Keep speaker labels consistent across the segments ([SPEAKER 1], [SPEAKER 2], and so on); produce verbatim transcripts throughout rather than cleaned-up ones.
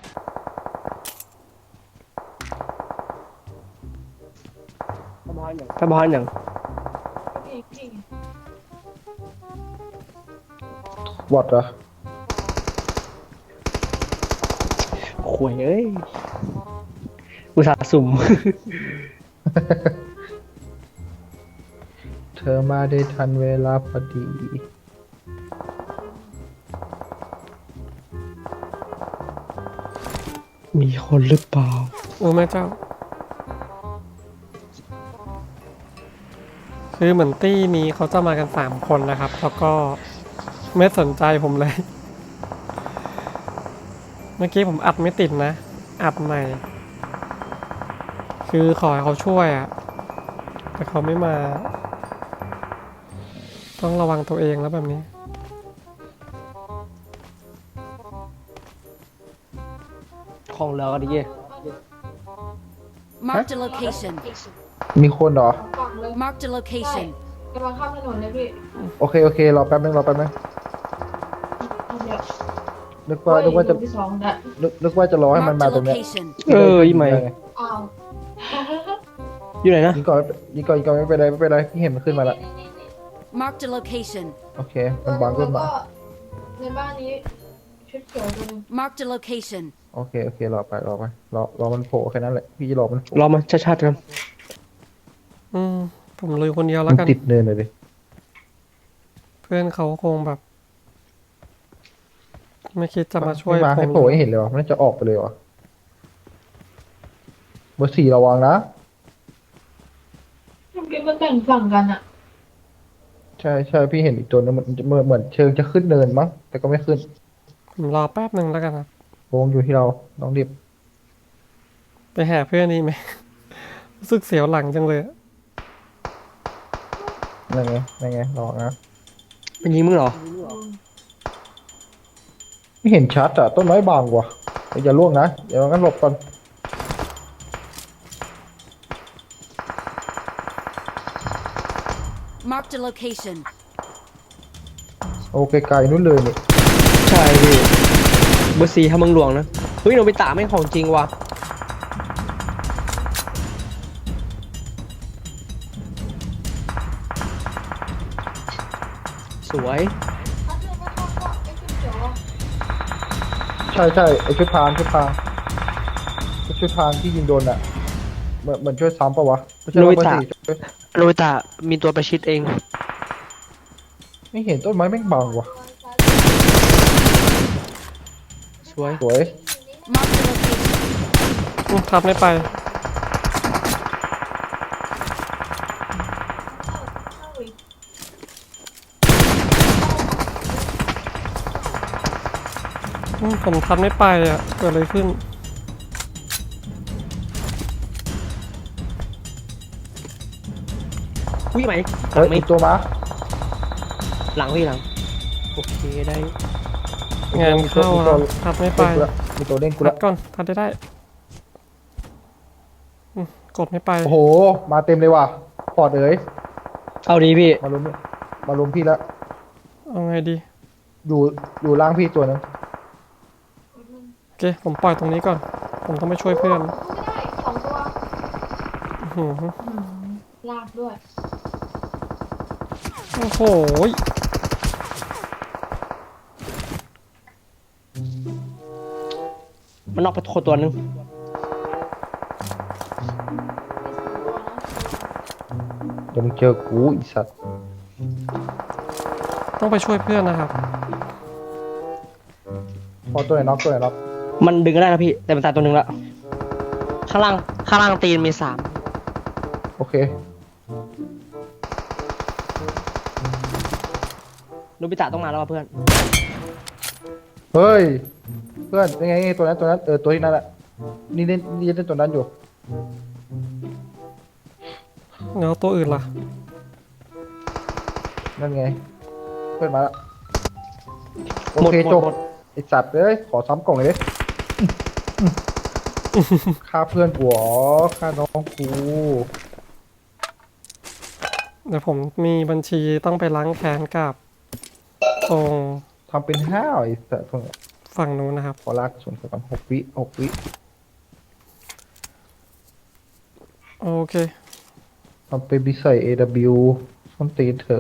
[SPEAKER 1] ถ้าบ้านอย่างถ้าบ้านอย่าง
[SPEAKER 2] วอดเหรอ
[SPEAKER 1] ขวยเอ้ยอุตส่าห์สุ่ม
[SPEAKER 2] เธอมาได้ทันเวลาพอดี
[SPEAKER 1] มีคนหรือเปล่าโอ้แม่เจ้าคือเหมือนตี้นี้เขาจะมากันสามคนนะครับแล้วก็ไม่สนใจผมเลย เมื่อกี้ผมอัดไม่ติดนะอัดใหม่คือขอให้เขาช่วยอะแต่เขาไม่มาต้องระวังตัวเองแล้วแบบนี้ของเราก็ดี
[SPEAKER 3] Marked a location.
[SPEAKER 2] มีคนเหรอ
[SPEAKER 3] Marked a location.
[SPEAKER 4] กำลังข้ามถนนเลยพี่
[SPEAKER 2] โอเคโอเครอแป๊บนึงรอแป๊บนึง
[SPEAKER 4] เดี๋ยว
[SPEAKER 2] นึกว่านึกว่าจะ
[SPEAKER 4] ที่สองนะ
[SPEAKER 2] นึกนึกว่าจะรอให้มัน
[SPEAKER 3] Marked
[SPEAKER 2] มา
[SPEAKER 3] a
[SPEAKER 2] ตรงเนี้ย
[SPEAKER 3] location.
[SPEAKER 1] เอออีไหม
[SPEAKER 4] อ้าว
[SPEAKER 1] อยู่ไหนนะ
[SPEAKER 2] ยิงก่อนยิงก่อนยิงก่อนไม่เป็นไรไม่เป็นไรพี่เห็นมันขึ้นมาแล้ว
[SPEAKER 3] Marked a location.
[SPEAKER 2] โอเคมันบังขึ้นมา
[SPEAKER 4] แล้วก็ในบ้านนี้ชุดเขียวตัวหนึง
[SPEAKER 3] Marked a location.
[SPEAKER 2] โอเคโอเครอไปรอไปรอรอมันโผล่แค่นั้นแหละพี่รอมันโผล่
[SPEAKER 1] รอมาชัดๆกันอืมผมลุยคนเดียวแล้ว
[SPEAKER 2] มัน
[SPEAKER 1] กัน
[SPEAKER 2] ติดเนินเลยดิ
[SPEAKER 1] เพื่อนเขาคงแบบ ไม่คิดจะมาช่วย
[SPEAKER 2] ไม่มา
[SPEAKER 1] ผ
[SPEAKER 2] ให้
[SPEAKER 1] ม
[SPEAKER 2] โผล่ให้เห็นเลยวะมันน่าจะออกไปเลยวะเบอร์สี่ระวังนะ
[SPEAKER 4] เมื่อกี้มันแบ่งฝั่งกันอะ
[SPEAKER 2] ใช่ใช่พี่เห็นอีกตัวนึงมันเหมือนเหมือนเชิงจะขึ้นเนินมั้งแต่ก็ไม่ขึ้น
[SPEAKER 1] ผมรอแป๊บหนึ่งแล้วกันครับ
[SPEAKER 2] วงอยู่ที่เราต้องรีบ
[SPEAKER 1] ไปหาเพื่อนนี่ไหม รู้สึกเสียวหลังจังเลย
[SPEAKER 2] นั่นไงนั่นไงรอนะ
[SPEAKER 1] เป็นยิงมึงเหรอ
[SPEAKER 2] ไม่เห็นชัดอ่ะต้นไม้บางกว่าอย่าล่วงนะอย่างั้นหลบก่อน
[SPEAKER 3] Marked a location.
[SPEAKER 2] โอ้ไกลๆนู้นเลยนี่
[SPEAKER 1] ใช่พี่เบอร์สี่ทำเมืองหลวงนะ เฮ้ยโนบิตะไม่งของจริงว่ะ สวย
[SPEAKER 4] ถ้าเจอก็ต้องก็ไอ้ชุดเขียวอะ
[SPEAKER 2] ใช่ใช่ไอชุดพรางชุดพรางไอชุดพรางที่ยิงโดนอ่ะเหมือนเหมือนช่วยซ้ำปะวะไม่ใช่
[SPEAKER 1] โน
[SPEAKER 2] ว่า
[SPEAKER 1] บิ
[SPEAKER 2] เบอร์
[SPEAKER 1] ตะ
[SPEAKER 2] สี่ช่วย
[SPEAKER 1] โนบิตะมีตัวประชิดเอง
[SPEAKER 2] ไม่เห็นต้นไม้แม่งบางว่ะ
[SPEAKER 1] สวย
[SPEAKER 2] สวย
[SPEAKER 3] Marked a location.
[SPEAKER 1] อืมทับไม่ไป
[SPEAKER 4] เข้าอีก
[SPEAKER 1] อืมผมทับไม่ไปอ่ะ เกิดอะไรขึ้น อุ้ยไหมห
[SPEAKER 2] เฮ้
[SPEAKER 1] ลั
[SPEAKER 2] ย
[SPEAKER 1] งไหม
[SPEAKER 2] อีกตัวมา
[SPEAKER 1] หลังพี่หลัง โอเคได้ งานเข้า
[SPEAKER 2] มี
[SPEAKER 1] แล้
[SPEAKER 2] ตัว
[SPEAKER 1] วทับไม่ไป
[SPEAKER 2] เล่นกูละมีตัวเล่นกู
[SPEAKER 1] ทั
[SPEAKER 2] ละ
[SPEAKER 1] ดก่อนทัดได้ได้อืมกดไม่ไป
[SPEAKER 2] โอ้โหมาเต็มเลยว่ะปอดเอ๋ย
[SPEAKER 1] เอาดีพี่
[SPEAKER 2] มาลุมมาลุมพี่ละ
[SPEAKER 1] เอาไงดี
[SPEAKER 2] อยู่อยู่ล่างพี่ตัวนึง
[SPEAKER 1] โอเค ผมปล่อยตรงนี้ก่อน ผมต้องไปช่วยเพื่อน
[SPEAKER 4] ไม่ได้สองตัว
[SPEAKER 1] อื้อหือ
[SPEAKER 4] อืมลากด้วย
[SPEAKER 1] โอ้โหยมันนอกไปโคตัวนึง
[SPEAKER 2] เดี๋ยวมึงเจอกูอีสัตว์
[SPEAKER 1] ต้องไปช่วยเพื่อนนะครับ
[SPEAKER 2] พอตัวไหนน็อกตัวไหนน็อก
[SPEAKER 1] มันดึงก็ได้นะพี่ แต่มันตายตัวหนึ่งละข้างล่าง ข้างล่างตีนมีสาม
[SPEAKER 2] โอเค
[SPEAKER 1] โนบิตะต้องมาแล้วว่ะเพื่อน
[SPEAKER 2] เฮ้ยเพื่อนยังไงไงตัวนั้นตัวนั้นเออตัวที่นั่นแหละนี่เล่นนี่เล่นตัวนั้นอยู่
[SPEAKER 1] แล้วตัวอื่นล่ะ
[SPEAKER 2] นั่นไงเพื่อนมาแล้วโอ
[SPEAKER 1] หมด
[SPEAKER 2] เค
[SPEAKER 1] หมด
[SPEAKER 2] จบ
[SPEAKER 1] หมด
[SPEAKER 2] ไอสัตว์เอ้ยขอซ้ำกล่องเลยดิฆ่าเพื่อนกูเหรอฆ่าน้องกู
[SPEAKER 1] เดี๋ยวผมมีบัญชีต้องไปล้างแค้นกับตรง
[SPEAKER 2] ทำเป็นห้าวไอสัตว์พวกเนี้ย
[SPEAKER 5] ฝั่งนู้นนะครับ
[SPEAKER 2] ขอลากส่วนก่อนหกวิหกวิ
[SPEAKER 5] โอเค
[SPEAKER 2] เอาไปบิใส่ เอ ดับเบิลยู ส้นตีนเถอะ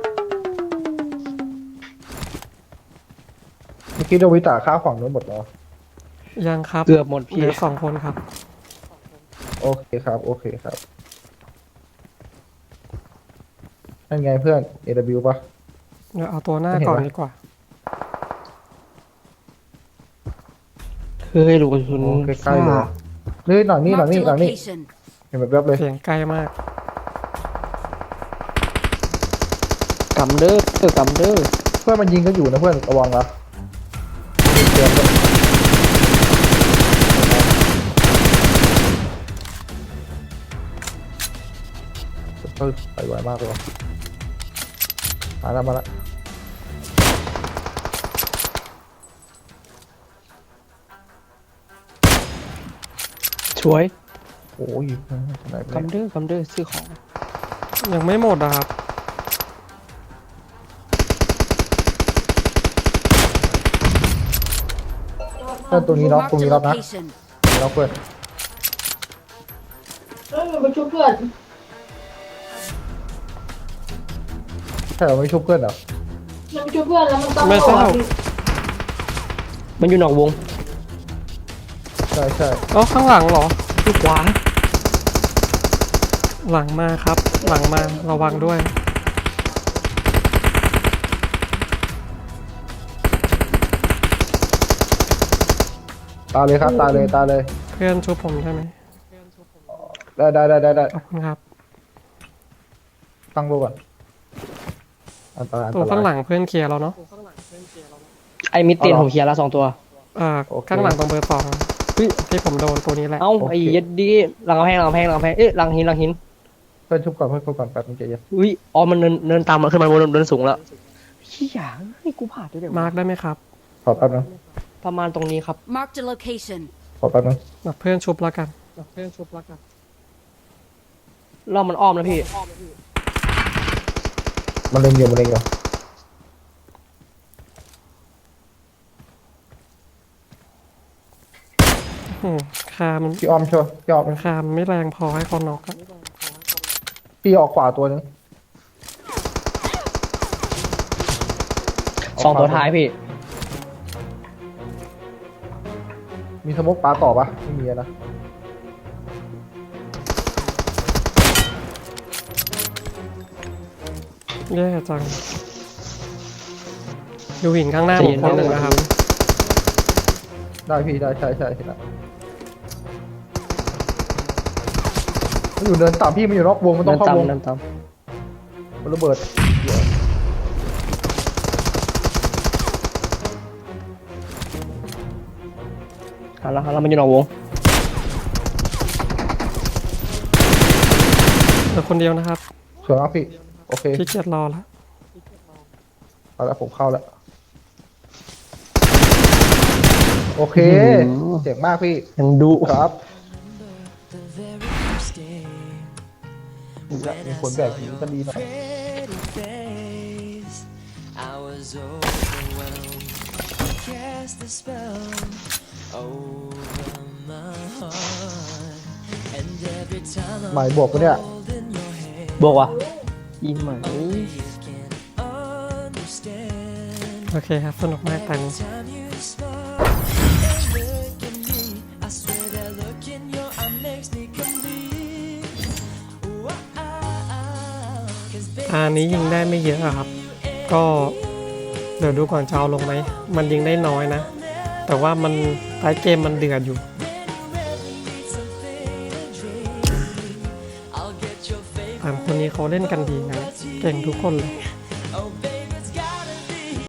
[SPEAKER 2] เมื่อกี้โดวิตาฆ่าฝั่งนู้นหมดเหรอ
[SPEAKER 5] ยังครับ
[SPEAKER 1] เกือบหมด
[SPEAKER 5] เห
[SPEAKER 1] พี่
[SPEAKER 5] ลือสองคนครับ
[SPEAKER 2] โอเคครับ โอเคครับนั่นไงเพื่อน เอ ดับเบิลยู ปะ
[SPEAKER 5] เดี๋ยวเอาตัวหน้า
[SPEAKER 2] ไม่เห็น
[SPEAKER 5] ก่อน
[SPEAKER 2] วะ
[SPEAKER 5] ดีกว่า
[SPEAKER 1] เฮ้ยลูกกระสุน
[SPEAKER 2] โอ้ใกล้ๆเลยนี่หลังนี่หลัง
[SPEAKER 3] Marked
[SPEAKER 2] นี่
[SPEAKER 3] a
[SPEAKER 2] หลังนี่
[SPEAKER 3] location.
[SPEAKER 2] เห็นแบบแบบๆเลย
[SPEAKER 5] เสียงไกลมาก
[SPEAKER 1] กำเด้อเออกำเด้อ
[SPEAKER 2] เพื่อนมันยิงก็อยู่นะเพื่อนระวังนะเตือนด้วยเฮ้ยไปไวมากเลยว่ะมาแล้วมาแล้ว
[SPEAKER 1] ช่วย
[SPEAKER 2] โอ้ยไหนไป
[SPEAKER 1] กำเด้อกำเด้อซื้อของ
[SPEAKER 5] ยังไม่หมดอะครับ
[SPEAKER 2] เพื่อนตรงนี้ล็อกตรง
[SPEAKER 3] Marked
[SPEAKER 2] นี้
[SPEAKER 3] a
[SPEAKER 2] ล็อกนะ
[SPEAKER 3] location.
[SPEAKER 2] ล็อกเพื่อน
[SPEAKER 4] เอ้ยมันไปช่วยเพื่อน
[SPEAKER 2] ใช่เราไม่ชุบเพื่อนเหรอ
[SPEAKER 4] มันไปช่วยเพื่อนแล้วมันต้อง
[SPEAKER 5] ไม่ทราบ
[SPEAKER 1] มันอยู่นอกวง
[SPEAKER 2] ใช่ใช่
[SPEAKER 5] เอ๋อข้างหลังเหรอ
[SPEAKER 1] ที่ขวา
[SPEAKER 5] หลังมาครับ หลังมาระวังด้วย
[SPEAKER 2] ตาเลยครับตาเลยตาเลย
[SPEAKER 5] เพื่อนช่วยผมใช่ไหม
[SPEAKER 2] ได้ได้ได้ได้ได้
[SPEAKER 5] ขอบคุณครับ
[SPEAKER 2] ตั้งโลก่อนอันตรายอัน
[SPEAKER 5] ตัว
[SPEAKER 2] ตรา
[SPEAKER 5] ข้างหลั
[SPEAKER 2] ย
[SPEAKER 5] งเพื่อนเคลียร์แล้วเนาะ
[SPEAKER 1] ไอ้มิดเตียน
[SPEAKER 2] เอาเหรอ
[SPEAKER 1] ผมเคลียร์แล้วสองตัว
[SPEAKER 5] อ่า
[SPEAKER 2] โอเค
[SPEAKER 5] ข้างหลังตรงเบอร์สอง
[SPEAKER 1] เฮ้ย
[SPEAKER 5] ที่ผมโดนตัวนี้แหละ
[SPEAKER 1] เอ้า
[SPEAKER 2] โอเค
[SPEAKER 1] ไอ้ยัดดีหลังกำแพงหลังกำแพงหลังกำแพงเอ๊ะหลังหินหลังหิน
[SPEAKER 2] เพื่อนชุบก่อนเพื่อนชุบก่อนแป๊บนึงใจเย็น
[SPEAKER 1] อุ้ยอ๋อมันเนินเนินตามมาขึ้นมาบนเนินสูงแล้วเฮียเฮ้ยกูผ่านด้วยเดี๋ยว
[SPEAKER 5] มาร์กได้ไหมครับ
[SPEAKER 2] ขอแป๊บนึง
[SPEAKER 1] ประมาณตรงนี้ครับ
[SPEAKER 3] Marked a location.
[SPEAKER 2] ขอแป๊บนึง
[SPEAKER 5] แบบเพื่อนชุบแล้วกันแบบเพื่อนชุบแล้วกัน
[SPEAKER 1] รอบมันอ้อมแล้วพี่
[SPEAKER 2] มันเล็งอยู่มันเล็งอยู่
[SPEAKER 5] อืมคามัน
[SPEAKER 2] พี่อ้อมช่วยพี่อ้อม
[SPEAKER 5] คามันไม่แรงพอให้คนนอกอะ
[SPEAKER 2] พี่ออกขวาตัวนึง
[SPEAKER 1] สองตัวท้ายพี่
[SPEAKER 2] มีสโมกปลาต่อปะไม่มีอะนะ
[SPEAKER 5] แย่จัง ดูหินข้างหน้าผมคนหนึ่งนะครับ
[SPEAKER 2] ได้พี่ได้ใช่ใช่เห็นแล้วมันอยู่เดินต่ำพี่มันอยู่นอกวงมันต้
[SPEAKER 1] เนิ
[SPEAKER 2] อง
[SPEAKER 1] น
[SPEAKER 2] เข้าวง
[SPEAKER 1] ตำเนินต
[SPEAKER 2] มันระเบิดเดี๋ยว
[SPEAKER 1] ำหันแล้วหันแล้วมันอยู่นอกวง
[SPEAKER 5] เหลือคนเดียวนะครับ
[SPEAKER 2] สวยมากพี่โอเค
[SPEAKER 5] พี่เกียจรอแล้ว
[SPEAKER 2] เอาละผมเข้าแล้วโอเคเจ๋งมากพี่
[SPEAKER 1] ยังดู
[SPEAKER 2] ครับมีคนแบกหนีก็ดีหน่อย
[SPEAKER 6] I was overwhelmed. You cast a spell over my heart, and every time
[SPEAKER 2] หมายบวกปะเนี่ย
[SPEAKER 6] I'm holding your hand,
[SPEAKER 1] บอกว่าอีไหม
[SPEAKER 6] you can understand.
[SPEAKER 5] โอเคครับ สนุกมากแต่
[SPEAKER 6] Every time you smile and look at me, I swear that look in your eye makes me complete. Ooh, ah, ah, ah, 'cause baby,
[SPEAKER 5] อันนี้ยิงได้ไม่เยอะอะครับ ก็เดี๋ยวดูก่อนจะเอาลงไหม มันยิงได้น้อยนะ แต่ว่ามันท้ายเกมมันเดือดอยู่
[SPEAKER 6] I'll get your favorite
[SPEAKER 5] สามคนนี้เขาเล่นกันดีนะ เก่งทุกคนเลย